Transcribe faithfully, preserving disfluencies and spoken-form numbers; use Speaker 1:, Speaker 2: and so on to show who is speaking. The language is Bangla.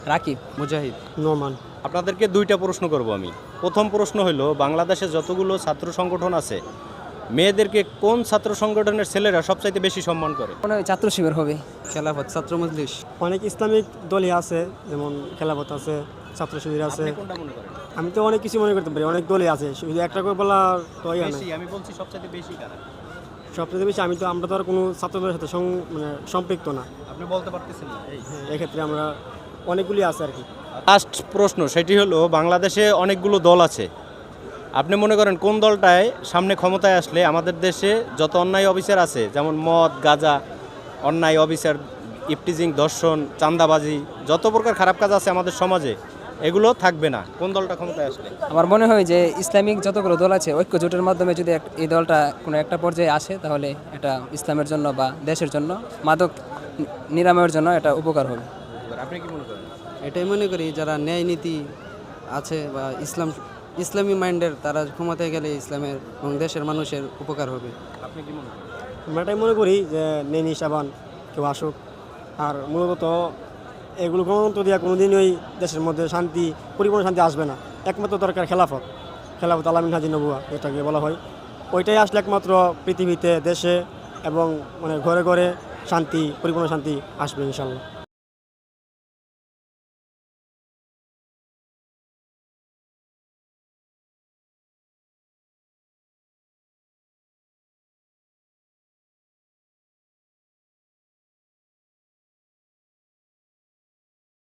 Speaker 1: রাকিব,
Speaker 2: মুজাহিদ,
Speaker 3: নোমান।
Speaker 4: আপনাদেরকে দুইটা প্রশ্ন করব আমি। প্রথম প্রশ্ন হলো, বাংলাদেশে যতগুলো ছাত্র সংগঠন আছে, মেয়েদেরকে কোন ছাত্র সংগঠনের ছেলেরা সবচাইতে বেশি সম্মান করে?
Speaker 1: মনে হয় ছাত্র শিবির হবে।
Speaker 2: খেলাফত, ছাত্র মজলিস।
Speaker 3: অনেক ইসলামিক দলই আছে, যেমন খেলাফত আছে, ছাত্র শিবির আছে।
Speaker 4: আপনি কোনটা মনে করেন?
Speaker 3: আমি তো অনেক কিছু মনে করতে পারি, অনেক দলই আছে, শুধু একটা করে বলা তো ইয়া না।
Speaker 4: বেশি, আমি বলছি সবচাইতে বেশি কারা?
Speaker 3: সবচেয়ে বেশি আমি তো আমরা তো আর কোনো ছাত্রদের সাথে সং- মানে সম্পৃক্ত না।
Speaker 4: আপনি বলতে পারতেছেন না। এই
Speaker 3: হ্যাঁ, এক্ষেত্রে আমরা অনেকগুলি আছে আর কি।
Speaker 4: লাস্ট প্রশ্ন, সেটি হলো, বাংলাদেশে অনেকগুলো দল আছে, আপনি মনে করেন কোন দলটায় সামনে ক্ষমতায় আসলে আমাদের দেশে যত অন্যায় অফিসার আছে, যেমন মদ, গাঁজা, অন্যায় অফিসার, ইফটিজিং, ধর্ষণ, চাঁদাবাজি, যত প্রকার খারাপ কাজ আছে আমাদের সমাজে, এগুলো থাকবে না? কোন দলটা ক্ষমতায় আসলে?
Speaker 1: আমার মনে হয় যে ইসলামিক যতগুলো দল আছে ঐক্য জোটের মাধ্যমে যদি এক- এই দলটা কোনো একটা পর্যায়ে আসে, তাহলে এটা ইসলামের জন্য বা দেশের জন্য, মাদক নি- নিরাময়ের জন্য এটা উপকার হবে।
Speaker 4: আপনি কি মনে করেন?
Speaker 2: এটাই মনে করি, যারা ন্যায় নীতি আছে বা ইসলাম ইসলামী মাইন্ডের, তারা ক্ষমতায় গেলে ইসলামের এবং দেশের মানুষের উপকার হবে।
Speaker 4: আপনি কি মনে করেন?
Speaker 3: আমরা এটাই মনে করি যে নেনি সাবান কেউ আসুক। আর মূলত এগুলো গণতন্ত্র দিয়া কোনোদিনই দেশের মধ্যে শান্তি, পরিপূর্ণ শান্তি আসবে না। একমাত্র দরকার খেলাফত, খেলাফত আলামিন হাজি নবুয়া যেটাকে বলা হয়। ওইটাই আসলে একমাত্র পৃথিবীতে, দেশে এবং মানে ঘরে ঘরে শান্তি, পরিপূর্ণ শান্তি আসবে ইনশাল্লাহ।